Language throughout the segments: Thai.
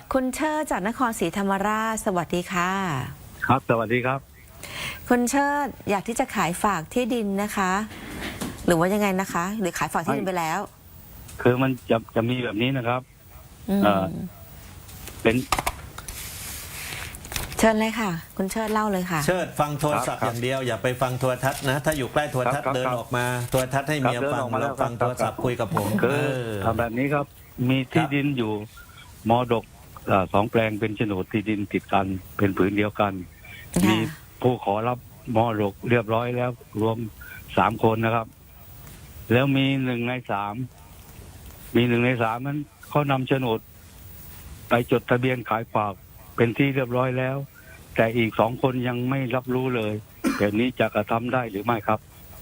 คุณเชิดจากนครศรีธรรมราชสวัสดีค่ะครับสวัสดีครับคุณเชิดอยากที่จะขายฝากที่ดินนะคะ หรือว่ายังไงนะคะ หรือขายฝากที่ดินไปแล้วคือมันจะมีแบบนี้นะครับเป็นเชิญเลยค่ะ คุณเชิดเล่าเลยค่ะเชิดฟังโทรศัพท์อย่างเดียวอย่าไปฟังโทรทัศน์นะถ้าอยู่ใกล้โทรทัศน์เดินออกมาโทรทัศน์ให้เมียฟังแล้วฟังโทรศัพท์คุยกับผมคือทำแบบนี้ครับมีที่ดินอยู่มรดก2 แปลงเป็นโฉนดที่ดินติดกันเป็นผืนเดียวกันมีผู้ขอรับมรดกเรียบร้อยแล้วรวม3 คนนะครับแล้วมี1 ใน 3นั้นเขานำโฉนดไปจดทะเบียนขายฝากเป็นที่เรียบร้อยแล้วแต่อีก2 คนยังไม่รับรู้เลยแบบนี้จะกระทำได้หรือไม่ครับ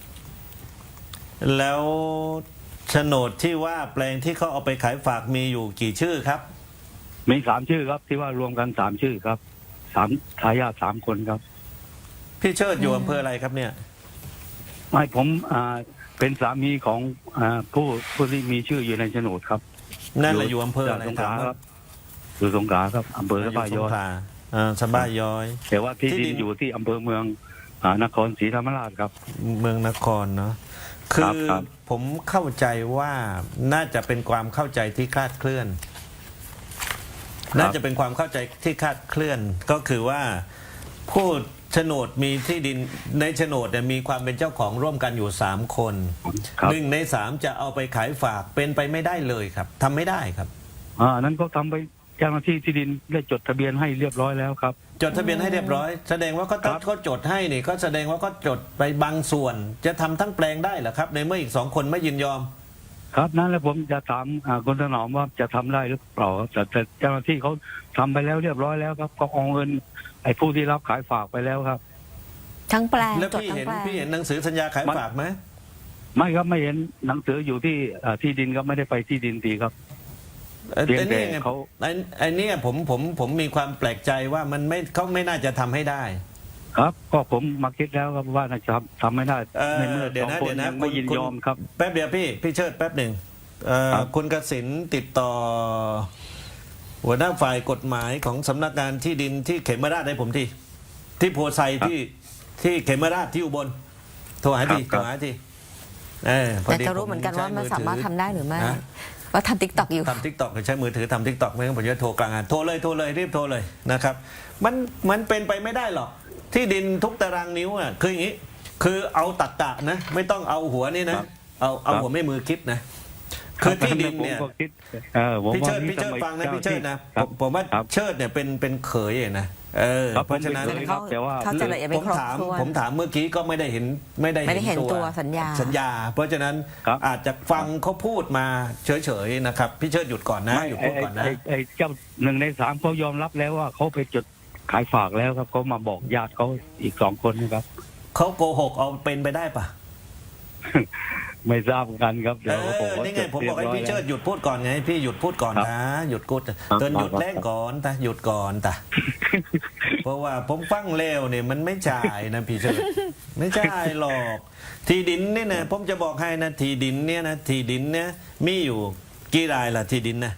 แล้วโฉนดที่ว่าแปลงที่เขาเอาไปขายฝากมีอยู่กี่ชื่อครับมี3 ชื่อครับที่ว่ารวมกัน3 ชื่อครับทายาท3 คนครับพี่เชิดอยู่อำเภออะไรครับเนี่ยไม่ผมเป็นสามีของผู้ที่มีชื่ออยู่ในโฉนดครับนั่นแหละอยู่อำเภออะไรครับอยู่สงขลาครับอำเภอสะบ้าย้อยสะบ้าย้อยแต่ว่าที่ดินอยู่ที่อำเภอเมืองนครศรีธรรมราชครับเมืองนครเนาะคือผมเข้าใจว่าน่าจะเป็นความเข้าใจที่คลาดเคลื่อนน่าจะเป็นความเข้าใจที่คลาดเคลื่อนก็คือว่าผู้โฉนดมีที่ดินในโฉนดเนี่ยมีความเป็นเจ้าของร่วมกันอยู่3 คน1 ใน 3จะเอาไปขายฝากเป็นไปไม่ได้เลยครับทำไม่ได้ครับนั้นก็ทำไปเจ้าหน้าที่ที่ดินได้จดทะเบียนให้เรียบร้อยแล้วครับจดทะเบียนให้เรียบร้อยแสดงว่าก็จดให้นี่ก็แสดงว่าก็จดไปบางส่วนจะทำทั้งแปลงได้เหรอครับในเมื่ออีก2 คนไม่ยินยอมครับนั่นแหละผมจะถามคุณถนอมว่าจะทำได้หรือเปล่าแต่เจ้าหน้าที่เขาทำไปแล้วเรียบร้อยแล้วครับก็เอาเงินไอ้ผู้ที่รับขายฝากไปแล้วครับทั้งแปลงแล้วพี่เห็นหนังสือสัญญาขายฝากไหมไม่ครับไม่เห็นหนังสืออยู่ที่ดินครับไม่ได้ไปที่ดินทีครับไอ้นี่ไงไอ้นี่ผมมีความแปลกใจว่ามันเขาไม่น่าจะทำให้ได้ครับก็ผมมาคิดแล้วครับว่าน่าจะทำไม่ได้ในเมื่อเดี๋ยวนะไม่ยินยอมครับแป๊บเดียวพี่เชิดแป๊บหนึ่งคุณกสิณติดต่อหัวหน้าฝ่ายกฎหมายของสำนักงานที่ดินที่เขมราชให้ผมที่โพไซที่เขมราชที่อุบลโทรหาทีแต่จะรู้เหมือนกันว่ามันสามารถทำได้หรือไม่ว่าทำติ๊กต็อกอยู่ทำติ๊กต็อกใช้มือถือทำติ๊กต็อกไม่งั้นผมจะโทรกลางงานโทรเลยรีบโทรเลยนะครับมันเป็นไปไม่ได้หรอกที่ดินทุกตารางนิ้วอ่ะคืออย่างนี้คือเอาตักกะนะไม่ต้องเอาหัวนี่นะเอาหัวไม่มือคิดนะคือที่ดินเนี่ยพี่เชิดฟังนะพี่เชิดนะผมว่าเชิดเนี่ยเป็นเขยนะเพราะฉะนั้นผมถามเมื่อกี้ก็ไม่ได้เห็นตัวสัญญาเพราะฉะนั้นอาจจะฟังเขาพูดมาเฉยๆนะครับพี่เชิดหยุดก่อนนะหยุดพูดก่อนนะไอ้เจ้า1 ใน 3เขายอมรับแล้วว่าเขาไปจดขายฝากแล้วครับเขามาบอกญาติเขาอีก2 คนนะครับเขาโกหกเอาเป็นไปได้ปะไม่ทราบกันครับเดี๋ยวนี่ไงผมบอกให้พี่เชิดหยุดพูดก่อนไงพี่หยุดพูดก่อนนะหยุดกูเตือนหยุดแรงก่อนแต่หยุดก่อนแต่เพราะว่าผมฟังเร็วเนี่ยมันไม่จ่ายนะพี่เชิดไม่จ่ายหรอกที่ดินนี่นะผมจะบอกให้นะที่ดินเนี่ยมีอยู่กี่รายล่ะที่ดินนะ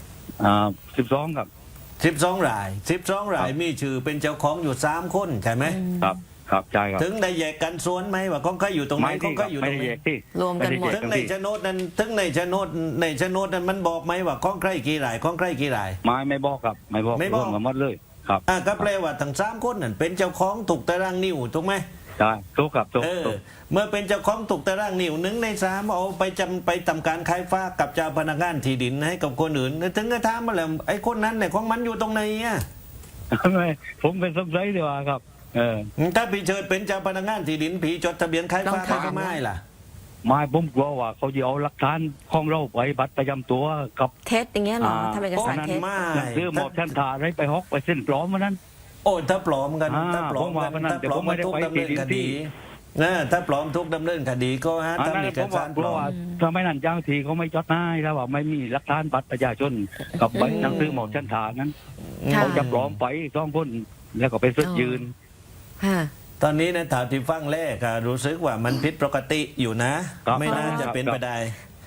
12ครับ 12 รายมีชื่อเป็นเจ้าของอยู่3 คนใช่ไหมครับใช่ครับถึงได้แยกกันส่วนไหมว่าของใครอยู่ตรงไหนของใครอยู่ตรงไหนรวมกันหมดถึงในโฉนดนั้นมันบอกไหมว่าของใครกี่รายไม่บอกครับไม่บอกหมดเลยครับก็แปลว่าทั้ง3 คนนั่นเป็นเจ้าของถูกตารางนิ้วถูกไหมใช่ถูกครับถูกเมื่อเป็นเจ้าของถูกตารางนิ้ว1 ใน 3เอาไปทำการขายฝากกับเจ้าพนักงานที่ดินให้กับคนอื่นถึงจะถามมาแล้วไอ้คนนั้นเนี่ยของมันอยู่ตรงไหนอ่ะไม่ผมเป็นสงสัยดีกว่าครับถ้าพี่เชิดเป็นเจ้าพนักงานที่ดินผีจดทะเบียนขายฝากได้ไม่ล่ะไม่ผมกลัวว่าเขาจะเอาหลักฐานของเราไปบัตรประจำตัวกับเท็จอย่างเงี้ยหรอทำเอกสารเท็จซื้อหมอบชันถาอะไรไปฮอกไปเส้นปลอมมานั้นโอ้ถ้าปลอมกันถ้าปลอมมาทุกดำเนินคดีนะถ้าปลอมทุกดำเนินคดีก็ฮะทำเอกสารปลอมทำไมนั่นเจ้าทีเขาไม่จดให้แล้วว่าไม่มีหลักฐานบัตรประชาชนกับใบหนังสือหมอบชันถานั้นเขาจะปลอมไป2 คนแล้วก็ไปซื้อยืนตอนนี้ในถามที่ฟังแรกรู้สึกว่ามันผิดปกติอยู่นะไม่น่าจะเป็นไปได้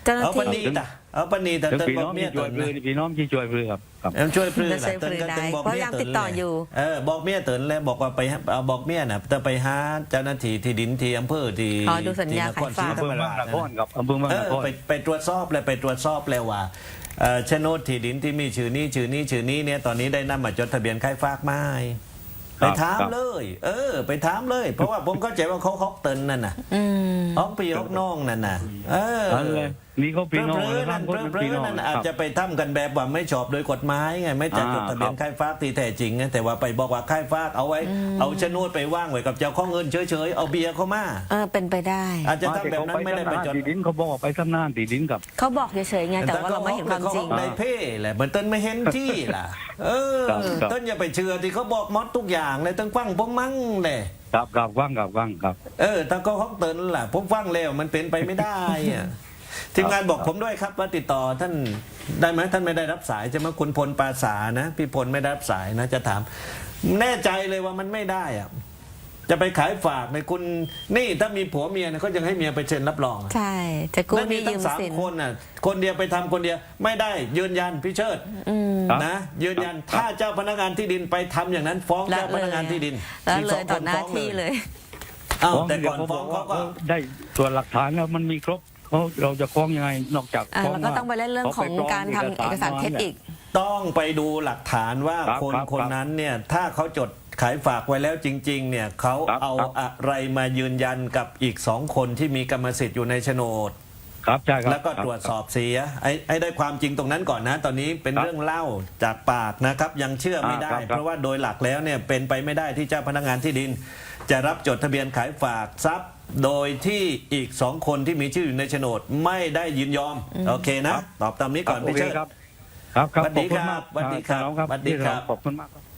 เจ้าหน้าเอาปที่ณีตะเอาปณีตะถึงเตินพี่บอน้อก งเมียที่ช่เติวยนปลือนะพี่น้องที่ช่วยปลือครับครับเอ็มช่วยปลื้จะช่วยปลื้อได้บอกเพราะเมียยังเติติดต่ออยู่บอกเมียเตินแล้วบอกว่าไปเอาบอกเมียน่ะจะไปหาเจ้าหน้าที่ที่ดินที่อำเภอที่อ๋อดูสัญญาที่นครขายฝากศรีธรรมราชอำเภอเมืองนครครับอำเภอเมืองนครไปตรวจสอบเลยไปตรวจสอบเลยว่าโฉนดที่ดินที่มีชื่อนี้เนี่ยตอนนี้ได้นำมาจดทะเบียนขายฝากไหม้ไปถามเลย ไปถามเลย เพราะว่าผมเข้าใจว่าเขาฮอกเตินนั่นน่ะอืมฮอกปีฮอกน้องนั่นน่ะนั่นเลยนี่เขาพี่น้องเพลอๆนั่นคนเป็นพี่น้องนั่นคอาจรับจะไปทำกันแบบว่าไม่ชอบโดยกฎหมายไงไม่จัดจดทะเบียนขายฝากที่แท้จริงไงแต่ว่าไปบอกว่าขายฝากเอาไว้เอาโฉนดไปว่างไว้กับเจ้าของเงินเฉยๆเอาเบียร์เข้ามาเป็นไปได้อาจจะทำแบบนั้นไม่ได้ไปจดตีดินเขาบอกว่าไปทำหน้าตีดินกับเขาบอกเฉยๆไงแต่ว่าเราไม่เห็นความจริงในเพ่แหละเหมือนต้นไม่เห็นที่ล่ะครับต้นอย่าไปเชื่อที่เขาบอกมดทุกอย่างเลยต้นฟังผมมั่งเลยกับว่างครับถ้าเขาฮอกเตินล่ะผมฟังแล้วมันเป็นไปไม่ได้อะทีมงานบอกผมด้วยครับว่าติดต่อท่านได้ไหมท่านไม่ได้รับสายใช่ไหมคุณพลปราสานะพี่พลไม่ได้รับสายนะจะถาม แน่ใจเลยว่ามันไม่ได้อะจะไปขายฝากในคุณนี่ถ้ามีผัวเมียเนี่ยเขายังให้เมียไปเซ็นรับรองอะใช่ จะกู้นั่นหมีนี่ตั้ยืงมสามสินคนน่ะคนเดียวไปทำคนเดียวไม่ได้ยืนยันพี่เชิดครับนะยืนยันถ้าเจ้าพนักงานที่ดินไปทำอย่างนั้น ฟ้องละเจ้าพนักงานที่ดินแล้วมีเลสอย งต่คอน หน้าฟ้องที่เลยอ้าวฟ้องแต่ก่อนเดี๋ยวฟ้องเขาก็ได้ส่วนหลักฐานแล้วมันมีครบเราจะฟ้องยังไงนอกจากฟ้องแล้วก็ต้องไปเล่นเรื่องของการทำเอกสารเท็จอีกต้องไปดูหลักฐานว่าคนนั้นเนี่ยถ้าเขาจดขายฝากไว้แล้วจริงๆเนี่ยเขาเอาอะไรมายืนยันกับอีกสองคนที่มีกรรมสิทธิ์อยู่ในโฉนดครับใช่ครับแล้วก็ตรวจสอบเสียไอ้ได้ความจริงตรงนั้นก่อนนะ ตอนนี้เป็นเรื่องเล่าจากปากนะครับยังเชื่อไม่ได้ เพราะว่าโดยหลักแล้วเนี่ยเป็นไปไม่ได้ที่เจ้าพนักงานที่ดิน จะรับจดทะเบียนขายฝากทรัพย์ โดยที่อีกสองคนที่มีชื่ออยู่ในโฉนดไม่ได้ยินยอมโอเคนะ ตอบตามนี้ก่อนพี่เชิดครับสวัสดีครับขอบคุณมากสวัสดีครับน้องสวัสดีครับขอบคุณมากครับ